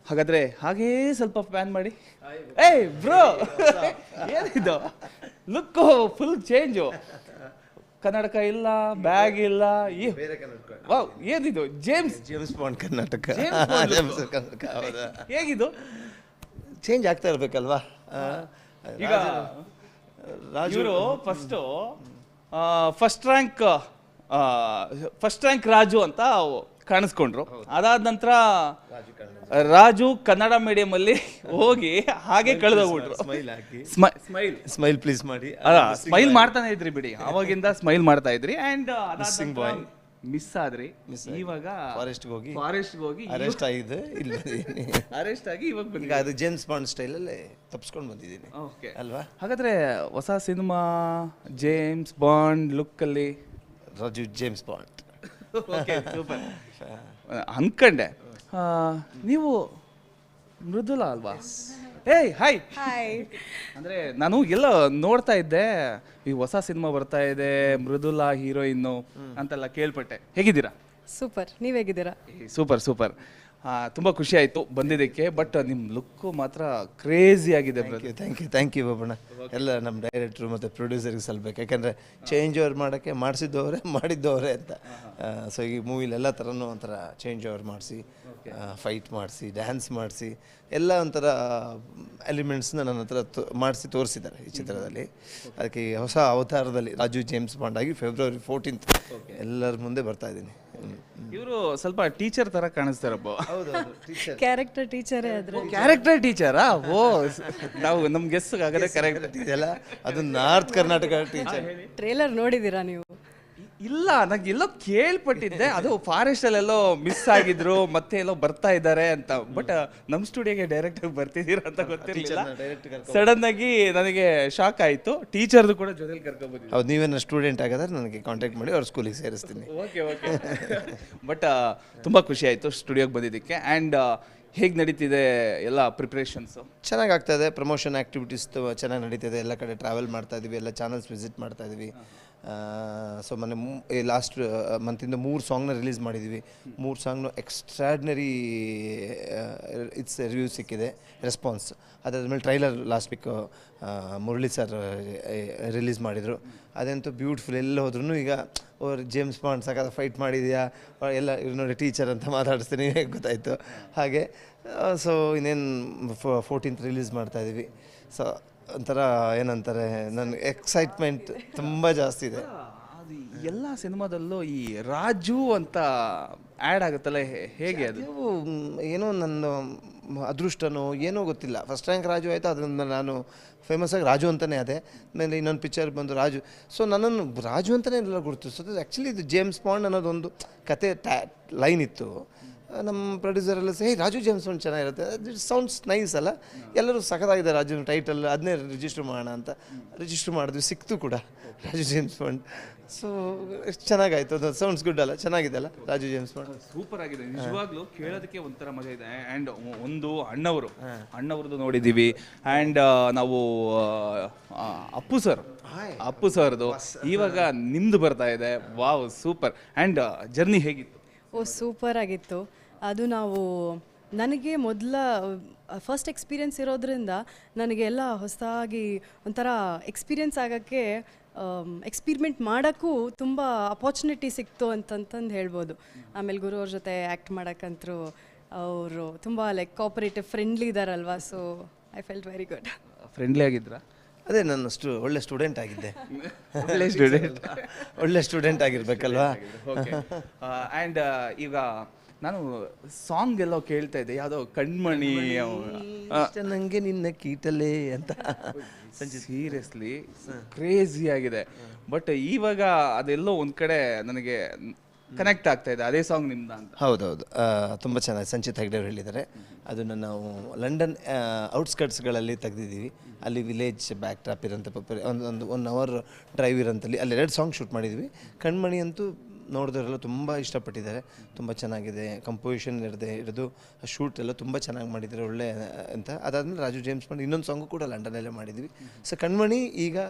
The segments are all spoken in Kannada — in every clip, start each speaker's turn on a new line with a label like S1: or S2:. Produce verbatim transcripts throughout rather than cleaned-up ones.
S1: ಹಾಗಾದರೆ ಹಾಗೇ ಸ್ವಲ್ಪ ಪ್ಯಾನ್ ಮಾಡಿ. ಏಯ್ ಬ್ರೋ, ಏನಿದು ಲುಕ್ಕು ಫುಲ್ ಚೇಂಜು. ಕನ್ನಡಕ ಇಲ್ಲ, ಬ್ಯಾಗ್ ಇಲ್ಲ, ವಾವ್ ಏನಿದು James
S2: James Bond Karnataka.
S1: James Bond
S2: James Karnataka ಹೌದಾ?
S1: ಹೇಗಿದು?
S2: ಚೇಂಜ್ ಆಗ್ತಾ ಇರಬೇಕಲ್ವಾ?
S1: ಈಗ ಇವರು first first rank first rank Raju ಅಂತ ಕಾಣಿಸ್ಕೊಂಡ್ರು. ಅದಾದ ನಂತರ ರಾಜು ಕನ್ನಡ ಮೀಡಿಯಂ ಅಲ್ಲಿ ಹೋಗಿ ಹಾಗೆ ಕಳೆದೋಗ್ಬಿಟ್ರು.
S2: ಸ್ಮೈಲ್ ಹಾಕಿ
S1: ಸ್ಮೈಲ್
S2: ಸ್ಮೈಲ್ ಪ್ಲೀಸ್ ಮಾಡಿ
S1: ಸ್ಮೈಲ್ ಮಾಡ್ತಾನೆ ಇದ್ರಿ ಬಿಡಿ, ಅವಾಗಿಂದ ಸ್ಮೈಲ್ ಮಾಡ್ತಾ ಇದ್ರಿ. ಅಂಡ್ ಬಾಯ್ ಮಿಸ್ ಆದ್ರಿ. ಇವಾಗ
S2: ಫಾರೆಸ್ಟ್ ಹೋಗಿ
S1: ಫಾರೆಸ್ಟ್ ಹೋಗಿ
S2: ಅರೆಸ್ಟ್ ಆಗಿದೆ, ಇಲ್ಲಿ
S1: ಅರೆಸ್ಟ್ ಆಗಿ ಇವಾಗ
S2: ಈಗ ಅದು ಜೇಮ್ಸ್ ಬಾಂಡ್ ಸ್ಟೈಲಲ್ಲಿ ತಪ್ಪಿಸ್ಕೊಂಡು ಬಂದಿದ್ದೀನಿ
S1: ಓಕೆ
S2: ಅಲ್ವಾ?
S1: ಹಾಗಾದ್ರೆ ಹೊಸ ಸಿನಿಮಾ ಜೇಮ್ಸ್ ಬಾಂಡ್ ಲುಕ್ ಅಲ್ಲಿ
S2: ರಾಜು ಜೇಮ್ಸ್ ಬಾಂಡ್
S1: ಸೂಪರ್ ಅನ್ಕಂಡೆ. ನೀವು ಮೃದುಲಾ ಅಲ್ವಾ? ಏಯ್ ಹಾಯ್
S3: ಹಾಯ್.
S1: ಅಂದ್ರೆ ನಾನು ಎಲ್ಲ ನೋಡ್ತಾ ಇದ್ದೆ, ಈ ಹೊಸ ಸಿನಿಮಾ ಬರ್ತಾ ಇದೆ, ಮೃದುಲಾ ಹೀರೋಯಿನ್ನು ಅಂತೆಲ್ಲ ಕೇಳ್ಪಟ್ಟೆ. ಹೇಗಿದ್ದೀರಾ?
S3: ಸೂಪರ್, ನೀವ್ ಹೇಗಿದ್ದೀರಾ?
S1: Super super. ತುಂಬ ಖುಷಿ ಆಯಿತು ಬಂದಿದ್ದಕ್ಕೆ. ಬಟ್ ನಿಮ್ಮ ಲುಕ್ಕು ಮಾತ್ರ ಕ್ರೇಜಿ ಆಗಿದೆ brother.
S2: Thank you thank you ಬಾಬಣ್ಣ. ಎಲ್ಲ ನಮ್ಮ ಡೈರೆಕ್ಟ್ರು ಮತ್ತು ಪ್ರೊಡ್ಯೂಸರ್ಗೆ ಸಲ್ಬೇಕು, ಯಾಕಂದರೆ ಚೇಂಜ್ ಓವರ್ ಮಾಡೋಕ್ಕೆ ಮಾಡಿಸಿದ್ದವರೇ ಮಾಡಿದ್ದವರೇ ಅಂತ. ಸೊ ಈ ಮೂವಿಲಿ ಎಲ್ಲ ಥರನೂ ಒಂಥರ ಚೇಂಜ್ ಓವರ್ ಮಾಡಿಸಿ, ಫೈಟ್ ಮಾಡಿಸಿ, ಡ್ಯಾನ್ಸ್ ಮಾಡಿಸಿ, ಎಲ್ಲ ಒಂಥರ ಎಲಿಮೆಂಟ್ಸ್ನ ನನ್ನ ಹತ್ರ ಮಾಡಿಸಿ ತೋರಿಸಿದ್ದಾರೆ ಈ ಚಿತ್ರದಲ್ಲಿ. ಅದಕ್ಕೆ ಈ ಹೊಸ ಅವತಾರದಲ್ಲಿ ರಾಜು ಜೇಮ್ಸ್ ಬಾಂಡ್ ಆಗಿ ಫೆಬ್ರವರಿ ಫೋರ್ಟೀನ್ತ್ ಎಲ್ಲರ ಮುಂದೆ ಬರ್ತಾ ಇದ್ದೀನಿ.
S1: ಇವರು ಸ್ವಲ್ಪ ಟೀಚರ್ ತರ ಕಾಣಿಸ್ತಾರಪ್ಪ.
S2: ಹೌದೌದು, ಟೀಚರ್
S3: ಕ್ಯಾರೆಕ್ಟರ್ ಟೀಚರೇ ಆದ್ರೆ.
S1: ಕ್ಯಾರೆಕ್ಟರ್ ಟೀಚರಾ? ಓ, ನಾವು ನಮ್ಮ ಗೆಸ್ ಆಗದೆ ಕರೆಕ್ಟ್
S2: ಇದೆಲ್ಲ ಅದು ನಾರ್ತ್ ಕರ್ನಾಟಕ ಟೀಚರ್.
S3: ಟ್ರೇಲರ್ ನೋಡಿದ್ದೀರಾ ನೀವು?
S1: ಇಲ್ಲ, ನಂಗೆ ಎಲ್ಲೋ ಕೇಳ್ಪಟ್ಟಿದ್ದೆ, ಅದು ಫಾರೆಸ್ಟ್ ಅಲ್ಲೆಲ್ಲೋ ಮಿಸ್ ಆಗಿದ್ರು, ಮತ್ತೆ ಎಲ್ಲೋ ಬರ್ತಾ ಇದ್ದಾರೆ ಅಂತ. ಬಟ್ ನಮ್ಮ ಸ್ಟುಡಿಯೋಗೆ ಡೈರೆಕ್ಟ್ ಆಗಿ ಬರ್ತಿದ್ದೀರಾ ಅಂತ ಗೊತ್ತಿರಲಿಲ್ಲ. ಸಡನ್ ಆಗಿ ನನಗೆ ಶಾಕ್ ಆಯಿತು. ಟೀಚರ್ದು ಕೂಡ ಜೊತೆಲಿ ಕರ್ಕೊಂಡ್ಬಂದಿದ್ದೆ.
S2: ಹೌದು, ನೀವೇನು ಸ್ಟೂಡೆಂಟ್ ಆಗಿದ್ರೆ ನನಗೆ ಕಾಂಟ್ಯಾಕ್ಟ್ ಮಾಡಿ ಅವ್ರ ಸ್ಕೂಲಿಗೆ ಸೇರಿಸ್ತೀನಿ.
S1: Okay okay. ಬಟ್ ತುಂಬ ಖುಷಿ ಆಯಿತು ಸ್ಟುಡಿಯೋಗೆ ಬಂದಿದ್ದಕ್ಕೆ. ಆ್ಯಂಡ್ ಹೇಗೆ ನಡೀತಿದೆ ಎಲ್ಲ ಪ್ರಿಪ್ರೇಷನ್ಸು?
S2: ಚೆನ್ನಾಗಿ ಆಗ್ತಾಯಿದೆ. ಪ್ರಮೋಷನ್ ಆ್ಯಕ್ಟಿವಿಟೀಸ್ ಚೆನ್ನಾಗಿ ನಡೀತಿದೆ. ಎಲ್ಲ ಕಡೆ ಟ್ರಾವೆಲ್ ಮಾಡ್ತಾ ಇದ್ದೀವಿ, ಎಲ್ಲ ಚಾನಲ್ಸ್ ವಿಸಿಟ್ ಮಾಡ್ತಾ ಇದ್ದೀವಿ. ಸೊ ಮೊನ್ನೆ ಲಾಸ್ಟ್ ಮಂತಿಂದ ಮೂರು ಸಾಂಗ್ನ ರಿಲೀಸ್ ಮಾಡಿದ್ದೀವಿ. ಮೂರು ಸಾಂಗ್ನು ಎಕ್ಸ್ಟ್ರಾಡ್ನರಿ ಇಟ್ಸ್ ರಿವ್ಯೂ ಸಿಕ್ಕಿದೆ, ರೆಸ್ಪಾನ್ಸ್. ಅದಾದಮೇಲೆ trailer last week Murali sir release ಮಾಡಿದರು. ಅದಂತೂ ಬ್ಯೂಟಿಫುಲ್. ಎಲ್ಲ ಹೋದ್ರೂ ಈಗ ಅವ್ರು ಜೇಮ್ಸ್ ಬಾಂಡ್ ಸಕಾಲ ಫೈಟ್ ಮಾಡಿದೆಯಾ ಎಲ್ಲ ಇವ್ರು ನೋಡಿ ಟೀಚರ್ ಅಂತ ಮಾತಾಡಿಸ್ತೀನಿ ಗೊತ್ತಾಯಿತು. ಹಾಗೆ ಸೊ ಇನ್ನೇನು ಫೋರ್ಟೀನ್ತ್ ರಿಲೀಸ್ ಮಾಡ್ತಾಯಿದ್ದೀವಿ. ಸೊ ಒಂಥರ ಏನಂತಾರೆ, ನನ್ನ ಎಕ್ಸೈಟ್ಮೆಂಟ್ ತುಂಬ ಜಾಸ್ತಿ ಇದೆ.
S1: ಅದು ಎಲ್ಲ ಸಿನಿಮಾದಲ್ಲೂ ಈ ರಾಜು ಅಂತ ಆ್ಯಡ್ ಆಗುತ್ತಲ್ಲ, ಹೇಗೆ ಅದು?
S2: ಏನೋ ನನ್ನ ಅದೃಷ್ಟನೋ ಏನೋ ಗೊತ್ತಿಲ್ಲ. ಫಸ್ಟ್ ರ್ಯಾಂಕ್ ರಾಜು ಆಯಿತು, ಅದರಿಂದ ನಾನು ಫೇಮಸ್ ಆಗಿ ರಾಜು ಅಂತಲೇ ಅದೇ. ಆಮೇಲೆ ಇನ್ನೊಂದು ಪಿಕ್ಚರ್ ಬಂದು ರಾಜು. ಸೊ ನನ್ನನ್ನು ರಾಜು ಅಂತಲೇ ಎಲ್ಲ ಗುರುತಿಸೋದು. ಆ್ಯಕ್ಚುಲಿ ಇದು ಜೇಮ್ಸ್ ಬಾಂಡ್ ಅನ್ನೋದೊಂದು ಕತೆ ಟ್ಯಾ ಲೈನ್ ಇತ್ತು. ನಮ್ಮ ಪ್ರೊಡ್ಯೂಸರೆಲ್ಲ ಸೇ ರಾಜು ಜೇಮ್ಸ್ ಬಾಂಡ್ ಚೆನ್ನಾಗಿರುತ್ತೆ, ಇಟ್ ಸೌಂಡ್ಸ್ ನೈಸ್ ಅಲ್ಲ, ಎಲ್ಲರೂ ಸಖತ್ತಾಗಿದೆ ರಾಜು ಟೈಟಲ್, ಅದನ್ನೇ ರಿಜಿಸ್ಟರ್ ಮಾಡೋಣ ಅಂತ ರಿಜಿಸ್ಟರ್ ಮಾಡಿದ್ವಿ. ಸಿಕ್ತು ಕೂಡ ರಾಜು ಜೇಮ್ಸ್ ಬಾಂಡ್. ಸೊ ಎಷ್ಟು ಚೆನ್ನಾಗಾಯ್ತು, ಅದು ಸೌಂಡ್ಸ್ ಗುಡ್ ಅಲ್ಲ, ಚೆನ್ನಾಗಿದೆ ಅಲ್ಲ ರಾಜು ಜೇಮ್ಸ್ ಬಾಂಡ್.
S1: ಸೂಪರ್ ಆಗಿದೆ ನಿಜವಾಗ್ಲೂ, ಕೇಳೋದಕ್ಕೆ ಒಂಥರ ಮಜಾ ಇದೆ. ಆ್ಯಂಡ್ ಒಂದು ಅಣ್ಣವರು ಅಣ್ಣವ್ರದ್ದು ನೋಡಿದ್ದೀವಿ. ಆ್ಯಂಡ್ ನಾವು ಅಪ್ಪು ಸರ್ ಅಪ್ಪು ಸರ್ದು ಇವಾಗ ನಿಮ್ದು ಬರ್ತಾ ಇದೆ. Wow super. ಆ್ಯಂಡ್ ಜರ್ನಿ ಹೇಗಿತ್ತು?
S3: ಓ ಸೂಪರ್ ಆಗಿತ್ತು. ಅದು ನಾವು ನನಗೆ ಮೊದಲ ಫಸ್ಟ್ ಎಕ್ಸ್ಪೀರಿಯನ್ಸ್ ಇರೋದ್ರಿಂದ ನನಗೆ ಎಲ್ಲ ಹೊಸದಾಗಿ ಒಂಥರ ಎಕ್ಸ್ಪೀರಿಯನ್ಸ್ ಆಗೋಕ್ಕೆ, ಎಕ್ಸ್ಪಿರಿಮೆಂಟ್ ಮಾಡೋಕ್ಕೂ ತುಂಬ ಅಪಾರ್ಚುನಿಟಿ ಸಿಕ್ತು ಅಂತಂತಂದು ಹೇಳ್ಬೋದು. ಆಮೇಲೆ ಗುರು ಅವ್ರ ಜೊತೆ ಆ್ಯಕ್ಟ್ ಮಾಡೋಕ್ಕಂತರೂ ಅವರು ತುಂಬ ಲೈಕ್ ಕೋಆಪರೇಟಿವ್, ಫ್ರೆಂಡ್ಲಿ ಇದ್ದಾರಲ್ವಾ. So I felt very good.
S1: Friendly ಆಗಿದ್ರಾ?
S2: ಅದೇ ನನ್ನ ಸ್ಟು ಒಳ್ಳೆ ಸ್ಟೂಡೆಂಟ್ ಆಗಿದ್ದೆ.
S1: ಒಳ್ಳೆ ಸ್ಟೂಡೆಂಟ್
S2: ಒಳ್ಳೆ ಸ್ಟೂಡೆಂಟ್ ಆಗಿರ್ಬೇಕಲ್ವಾ?
S1: ಓಕೆ. ಆ್ಯಂಡ್ ಈಗ ನಾನು ಸಾಂಗ್ ಎಲ್ಲೋ ಕೇಳ್ತಾ ಇದ್ದೆ, ಯಾವುದೋ ಕಣ್ಮಣಿ
S2: ನನಗೆ ನಿನ್ನ ಕೀಟಲೇ ಅಂತ.
S1: ಸೀರಿಯಸ್ಲಿ ಕ್ರೇಜಿ ಆಗಿದೆ. ಬಟ್ ಇವಾಗ ಅದೆಲ್ಲೋ ಒಂದು ಕಡೆ ನನಗೆ ಕನೆಕ್ಟ್ ಆಗ್ತಾ ಇದೆ, ಅದೇ ಸಾಂಗ್ ನಿಮ್ದ ಅಂತ.
S2: ಹೌದೌದು, ತುಂಬ ಚೆನ್ನಾಗಿ ಸಂಚಿತ್ ಹೆಗ್ಡೆ ಅವರು ಹೇಳಿದ್ದಾರೆ. ಅದನ್ನು ನಾವು ಲಂಡನ್ ಔಟ್ಸ್ಕಟ್ಸ್ಗಳಲ್ಲಿ ತೆಗೆದಿದ್ದೀವಿ. ಅಲ್ಲಿ ವಿಲೇಜ್ ಬ್ಯಾಕ್ ಟ್ರಾಪ್ ಇರೋಂಥ ಒಂದು ಒಂದು ಒನ್ ಅವರ್ ಡ್ರೈವ್ ಇರೋಂಥಲ್ಲಿ ಅಲ್ಲಿ ಎರಡು ಸಾಂಗ್ ಶೂಟ್ ಮಾಡಿದ್ವಿ. ಕಣ್ಮಣಿ ಅಂತೂ ನೋಡಿದವರೆಲ್ಲ ತುಂಬ ಇಷ್ಟಪಟ್ಟಿದ್ದಾರೆ, ತುಂಬ ಚೆನ್ನಾಗಿದೆ. ಕಂಪೋಸಿಷನ್ ಇರದೆ ಹಿಡಿದು ಶೂಟ್ ಎಲ್ಲ ತುಂಬ ಚೆನ್ನಾಗಿ ಮಾಡಿದ್ದಾರೆ, ಒಳ್ಳೆ ಅಂತ. ಅದಾದಮೇಲೆ ರಾಜು ಜೇಮ್ಸ್ ಬಾಂಡ್ ಇನ್ನೊಂದು ಸಾಂಗು ಕೂಡ ಲಂಡನಲ್ಲೇ ಮಾಡಿದ್ವಿ. ಸೊ ಕಣ್ಮಣಿ ಈಗ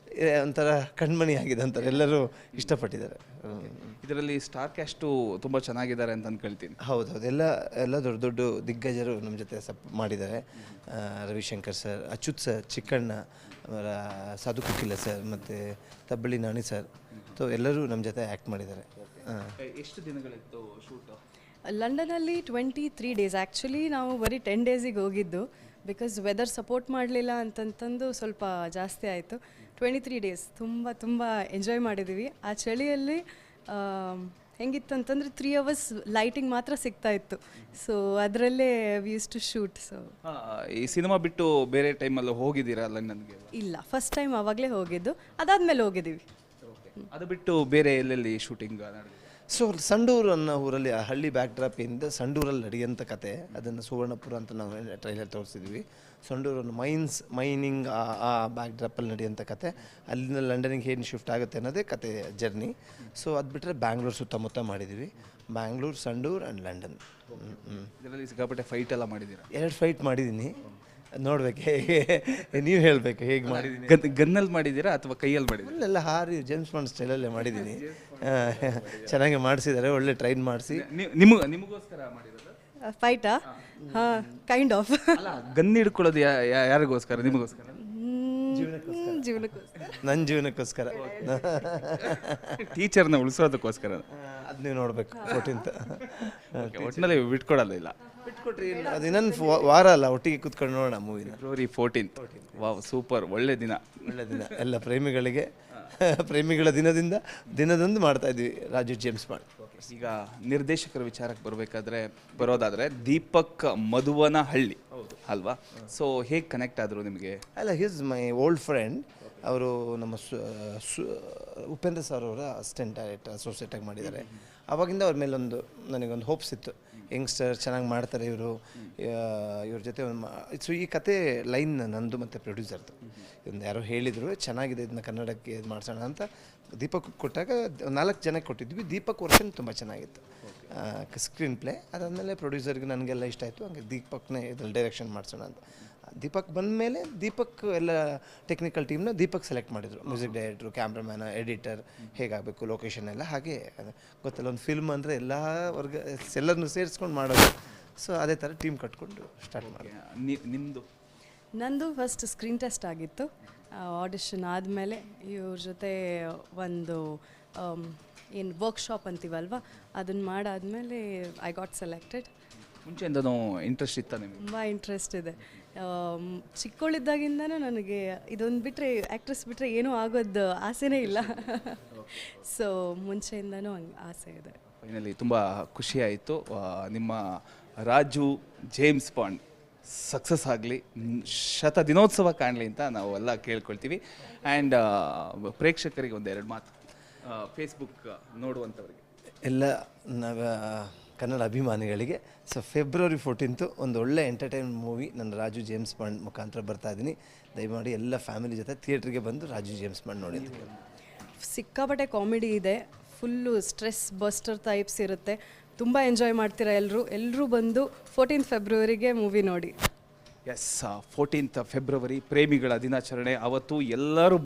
S2: ಒಂಥರ ಕಣ್ಮಣಿ ಆಗಿದೆ ಅಂತಾರೆ, ಎಲ್ಲರೂ ಇಷ್ಟಪಟ್ಟಿದ್ದಾರೆ. ಹ್ಮ್.
S1: ಇದರಲ್ಲಿ ಸ್ಟಾರ್ ಕ್ಯಾಸ್ಟು ತುಂಬ ಚೆನ್ನಾಗಿದ್ದಾರೆ ಅಂತ ಅನ್ಕೊಳ್ತೀನಿ.
S2: ಹೌದು ಹೌದು ಎಲ್ಲ ಎಲ್ಲ ದೊಡ್ಡ ದೊಡ್ಡ ದಿಗ್ಗಜರು ನಮ್ಮ ಜೊತೆ ಸಪ್ ಮಾಡಿದ್ದಾರೆ. ಆ, ರವಿಶಂಕರ್ ಸರ್, ಅಚ್ಯುತ್ ಸರ್, ಚಿಕ್ಕಣ್ಣ, ಅವರ ಸಾಧು ಕುಕಿಲ ಸರ್ ಮತ್ತು ತಬ್ಬಳ್ಳಿ ನಾಣಿ ಸರ್, ಸೊ ಎಲ್ಲರೂ ನಮ್ಮ ಜೊತೆ ಆ್ಯಕ್ಟ್ ಮಾಡಿದ್ದಾರೆ. ಹಾಂ.
S1: ಎಷ್ಟು ದಿನಗಳಿತ್ತು ಶೂಟು?
S3: ಲಂಡನಲ್ಲಿ ಟ್ವೆಂಟಿ ತ್ರೀ ಡೇಸ್ ಆ್ಯಕ್ಚುಲಿ ನಾವು ಬರೀ ಟೆನ್ ಡೇಸಿಗೆ ಹೋಗಿದ್ದು, ಬಿಕಾಸ್ ವೆದರ್ ಸಪೋರ್ಟ್ ಮಾಡಲಿಲ್ಲ ಅಂತಂತಂದು ಸ್ವಲ್ಪ ಜಾಸ್ತಿ ಆಯಿತು. ಟ್ವೆಂಟಿ ತ್ರೀ ಡೇಸ್ ತುಂಬ ತುಂಬ ಎಂಜಾಯ್ ಮಾಡಿದ್ದೀವಿ. ಆ ಚಳಿಯಲ್ಲಿ ಹೆಂಗಿತ್ತು ಅಂತಂದರೆ ತ್ರೀ ಅವರ್ಸ್ ಲೈಟಿಂಗ್ ಮಾತ್ರ ಸಿಗ್ತಾ ಇತ್ತು. ಸೊ ಅದರಲ್ಲೇ we use to shoot. So
S1: ಈ ಸಿನಿಮಾ ಬಿಟ್ಟು ಬೇರೆ ಟೈಮಲ್ಲಿ ಹೋಗಿದ್ದೀರಾ ಲಂಡನ್ಗೆ?
S3: ಇಲ್ಲ, ಫಸ್ಟ್ ಟೈಮ್ ಆವಾಗಲೇ ಹೋಗಿದ್ದು, ಅದಾದಮೇಲೆ ಹೋಗಿದ್ದೀವಿ.
S1: ಅದು ಬಿಟ್ಟು ಬೇರೆ ಎಲ್ಲೆಲ್ಲಿ ಶೂಟಿಂಗ್ ನಡೆದಿದೆ?
S2: ಸೊ ಸಂಡೂರು ಅನ್ನೋ ಊರಲ್ಲಿ, ಆ ಹಳ್ಳಿ ಬ್ಯಾಕ್ ಡ್ರಾಪಿಂದ ಸಂಡೂರಲ್ಲಿ ನಡೆಯುವಂಥ ಕತೆ, ಅದನ್ನು ಸುವರ್ಣಪುರ ಅಂತ ನಾವು ಟ್ರೈಲರ್ ತೋರಿಸಿದ್ವಿ. ಸಂಡೂರು ಮೈನ್ಸ್ ಮೈನಿಂಗ್ ಆ ಆ ಬ್ಯಾಕ್ ಡ್ರಾಪಲ್ಲಿ ನಡೆಯುವಂಥ ಕತೆ, ಅಲ್ಲಿಂದ ಲಂಡನಿಗೆ ಏನು ಶಿಫ್ಟ್ ಆಗುತ್ತೆ ಅನ್ನೋದೇ ಕತೆ ಜರ್ನಿ. ಸೊ ಅದು ಬಿಟ್ಟರೆ ಬ್ಯಾಂಗ್ಳೂರು ಸುತ್ತಮುತ್ತ ಮಾಡಿದ್ದೀವಿ, ಬ್ಯಾಂಗ್ಳೂರು, ಸಂಡೂರು ಆ್ಯಂಡ್ ಲಂಡನ್. ಹ್ಞೂ
S1: ಇದರಲ್ಲಿ ಸಿಕ್ಕಾಪಟ್ಟೆ ಫೈಟ್ ಎಲ್ಲ ಮಾಡಿದ್ದೀರಾ?
S2: ಎರಡು ಫೈಟ್ ಮಾಡಿದ್ದೀನಿ, ನೋಡ್ಬೇಕು ಹೇಗೆ, ನೀವು ಹೇಳಬೇಕು ಹೇಗೆ ಮಾಡಿದ್ದೀನಿ.
S1: ಗನ್ ಗನ್ನಲ್ಲಿ ಮಾಡಿದ್ದೀರಾ ಅಥವಾ ಕೈಯಲ್ಲಿ ಮಾಡಿದ್ದೀರಾ?
S2: ಅಲ್ಲೆಲ್ಲ ಹಾರಿ ಜೇಮ್ಸ್ ಬಾಂಡ್ ಸ್ಟೈಲಲ್ಲೇ ಮಾಡಿದ್ದೀನಿ. ಚೆನ್ನಾಗಿ ಮಾಡಿಸಿದ್ದಾರೆ, ಒಳ್ಳೆ ಟ್ರೈನ್ ಮಾಡಿಸಿ.
S1: ನಿಮಗೆ ನಿಮಗೋಸ್ಕರ ಮಾಡಿರೋದು?
S3: ಫೈಟಾ? ಹಾಂ, ಕೈಂಡ್ ಆಫ್.
S1: ಅಲ್ಲ, ಗನ್ ಹಿಡ್ಕೊಳ್ಳೋದು ಯಾ- ಯಾ- ಯಾರಿಗೋಸ್ಕರ? ನಿಮಗೋಸ್ಕರ?
S3: ಜೀವನಕ್ಕೋಸ್ಕರ.
S2: ನನ್ನ ಜೀವನಕ್ಕೋಸ್ಕರ,
S1: ಟೀಚರ್ನ ಉಳಿಸೋದಕ್ಕೋಸ್ಕರ.
S2: ಅದು ನೀವು ನೋಡಬೇಕು ಫೋರ್ಟೀನ್ತ್.
S1: ಒಟ್ಟಿನಲ್ಲಿ ಬಿಟ್ಕೊಡಲ್ಲ ಇಲ್ಲ.
S2: ಬಿಟ್ಕೊಟ್ರಿ ಅದು ಇನ್ನೊಂದು ವಾರ ಅಲ್ಲ, ಒಟ್ಟಿಗೆ ಕೂತ್ಕೊಂಡು ನೋಡೋಣ ಮೂವಿನ.
S1: February fourteenth. ವಾವ್, ಸೂಪರ್, ಒಳ್ಳೆ ದಿನ.
S2: ಒಳ್ಳೆ ದಿನ ಎಲ್ಲ ಪ್ರೇಮಿಗಳಿಗೆ, ಪ್ರೇಮಿಗಳ ದಿನದಿಂದ ದಿನದಂದು ಮಾಡ್ತಾ ಇದ್ವಿ ರಾಜು ಜೇಮ್ಸ್ ಬಾಂಡ್.
S1: ಈಗ ನಿರ್ದೇಶಕರ ವಿಚಾರಕ್ಕೆ ಬರಬೇಕಾದ್ರೆ ಬರೋದಾದ್ರೆ ದೀಪಕ್ ಮಧುವನಹಳ್ಳಿ ಅಲ್ವಾ? ಸೊ ಹೇಗೆ ಕನೆಕ್ಟ್ ಆದರು ನಿಮಗೆ?
S2: ಅಲ್ಲ, ಹಿಸ್ ಮೈ ಓಲ್ಡ್ ಫ್ರೆಂಡ್. ಅವರು ನಮ್ಮ ಸು- ಸು- ಉಪೇಂದ್ರ ಸರ್ ಅವರ ಅಸಿಸ್ಟೆಂಟ್ ಡೈರೆಕ್ಟರ್ ಅಸೋಸಿಯೇಟಾಗಿ ಮಾಡಿದ್ದಾರೆ. ಆವಾಗಿಂದ ಅವ್ರ ಮೇಲೊಂದು ನನಗೊಂದು ಹೋಪ್ಸ್ ಇತ್ತು, ಯಂಗ್ಸ್ಟರ್ ಚೆನ್ನಾಗಿ ಮಾಡ್ತಾರೆ ಇವರು, ಇವ್ರ ಜೊತೆ ಒಂದು ಸೊ ಈ ಕತೆ ಲೈನ್ ನಂದು ಮತ್ತು ಪ್ರೊಡ್ಯೂಸರ್ದು. ಒಂದು ಯಾರೋ ಹೇಳಿದರು ಚೆನ್ನಾಗಿದೆ, ಇದನ್ನ ಕನ್ನಡಕ್ಕೆ ಇದು ಮಾಡಿಸೋಣ ಅಂತ ದೀಪಕ್ ಕೊಟ್ಟಾಗ ನಾಲ್ಕು ಜನಕ್ಕೆ ಕೊಟ್ಟಿದ್ವಿ. ದೀಪಕ್ ವರ್ಷನ್ ತುಂಬ ಚೆನ್ನಾಗಿತ್ತು ಸ್ಕ್ರೀನ್ ಪ್ಲೇ. ಅದಾದಮೇಲೆ ಪ್ರೊಡ್ಯೂಸರ್ಗೆ ನನಗೆಲ್ಲ ಇಷ್ಟ ಆಯಿತು, ಹಂಗೆ ದೀಪಕ್ನೇ ಇದ್ರಲ್ಲಿ ಡೈರೆಕ್ಷನ್ ಮಾಡಿಸೋಣ ಅಂತ. ದೀಪಕ್ ಬಂದ ಮೇಲೆ ದೀಪಕ್ ಎಲ್ಲ ಟೆಕ್ನಿಕಲ್ ಟೀಮ್ನ ದೀಪಕ್ ಸೆಲೆಕ್ಟ್ ಮಾಡಿದರು, ಮ್ಯೂಸಿಕ್ ಡೈರೆಕ್ಟ್ರು, ಕ್ಯಾಮ್ರಾಮ್ಯಾನ, ಎಡಿಟರ್, ಹೇಗಾಗಬೇಕು ಲೊಕೇಶನ್ ಎಲ್ಲ. ಹಾಗೆ ಗೊತ್ತಲ್ಲ, ಒಂದು ಫಿಲ್ಮ್ ಅಂದರೆ ಎಲ್ಲ ವರ್ಗ ಎಲ್ಲರನ್ನು ಸೇರಿಸ್ಕೊಂಡು ಮಾಡೋದು. ಸೊ ಅದೇ ಥರ ಟೀಮ್ ಕಟ್ಕೊಂಡು ಸ್ಟಾರ್ಟ್ ಮಾಡಿ.
S1: ನಿಮ್ಮದು?
S3: ನಂದು ಫಸ್ಟ್ ಸ್ಕ್ರೀನ್ ಟೆಸ್ಟ್ ಆಗಿತ್ತು. ಆಡಿಷನ್ ಆದಮೇಲೆ ಇವ್ರ ಜೊತೆ ಒಂದು ಏನು ವರ್ಕ್ಶಾಪ್ ಅಂತೀವಲ್ವ, ಅದನ್ನು ಮಾಡಾದಮೇಲೆ ಐ ಗಾಟ್ ಸೆಲೆಕ್ಟೆಡ್.
S1: ಮುಂಚೆಯಿಂದನೂ ಇಂಟ್ರೆಸ್ಟ್ ಇತ್ತ ನಿಮಗೆ?
S3: ತುಂಬ ಇಂಟ್ರೆಸ್ಟ್ ಇದೆ. ಚಿಕ್ಕವಳಿದ್ದಾಗಿಂದನೂ ನನಗೆ ಇದೊಂದು ಬಿಟ್ಟರೆ, ಆ್ಯಕ್ಟ್ರೆಸ್ ಬಿಟ್ಟರೆ ಏನೂ ಆಗೋದು ಆಸೆನೇ ಇಲ್ಲ. ಸೊ ಮುಂಚೆಯಿಂದನೂ ಹಂಗೆ ಆಸೆ ಇದೆ.
S1: ಫೈನಲಿ ತುಂಬ ಖುಷಿಯಾಯಿತು. ನಿಮ್ಮ ರಾಜು ಜೇಮ್ಸ್ ಬಾಂಡ್ ಸಕ್ಸಸ್ ಆಗಲಿ, ಶತ ದಿನೋತ್ಸವ ಕಾಣಲಿ ಅಂತ ನಾವು ಎಲ್ಲ ಕೇಳ್ಕೊಳ್ತೀವಿ. ಆ್ಯಂಡ್ ಪ್ರೇಕ್ಷಕರಿಗೆ ಒಂದೆರಡು ಮಾತು, ಫೇಸ್ಬುಕ್ ನೋಡುವಂಥವ್ರಿಗೆ.
S2: ಎಲ್ಲ ನಾವು ಕನ್ನಡ ಅಭಿಮಾನಿಗಳಿಗೆ, ಸೊ ಫೆಬ್ರವರಿ ಫೋರ್ಟೀನ್ತು ಒಂದು ಒಳ್ಳೆ ಎಂಟರ್ಟೈನ್ಮೆಂಟ್ ಮೂವಿ ನನ್ನ ರಾಜು ಜೇಮ್ಸ್ ಬಾಂಡ್ ಮುಖಾಂತರ ಬರ್ತಾ ಇದ್ದೀನಿ. ದಯಮಾಡಿ ಎಲ್ಲ ಫ್ಯಾಮಿಲಿ ಜೊತೆ ಥಿಯೇಟ್ರಿಗೆ ಬಂದು ರಾಜು ಜೇಮ್ಸ್ ಬಾಂಡ್ ನೋಡಿ.
S3: ಸಿಕ್ಕಾಪಟ್ಟೆ ಕಾಮಿಡಿ ಇದೆ, ಫುಲ್ಲು ಸ್ಟ್ರೆಸ್ ಬಸ್ಟರ್ ಟೈಪ್ಸ್ ಇರುತ್ತೆ. ತುಂಬ ಎಂಜಾಯ್ ಮಾಡ್ತೀರಾ ಎಲ್ಲರೂ. ಎಲ್ಲರೂ ಬಂದು ಫೋರ್ಟೀನ್ತ್ ಫೆಬ್ರವರಿಗೆ ಮೂವಿ ನೋಡಿ.
S1: ಎಸ್, ಫೋರ್ಟೀನ್ತ್ ಫೆಬ್ರವರಿ ಪ್ರೇಮಿಗಳ ದಿನಾಚರಣೆ. ಅವತ್ತು ಎಲ್ಲರೂ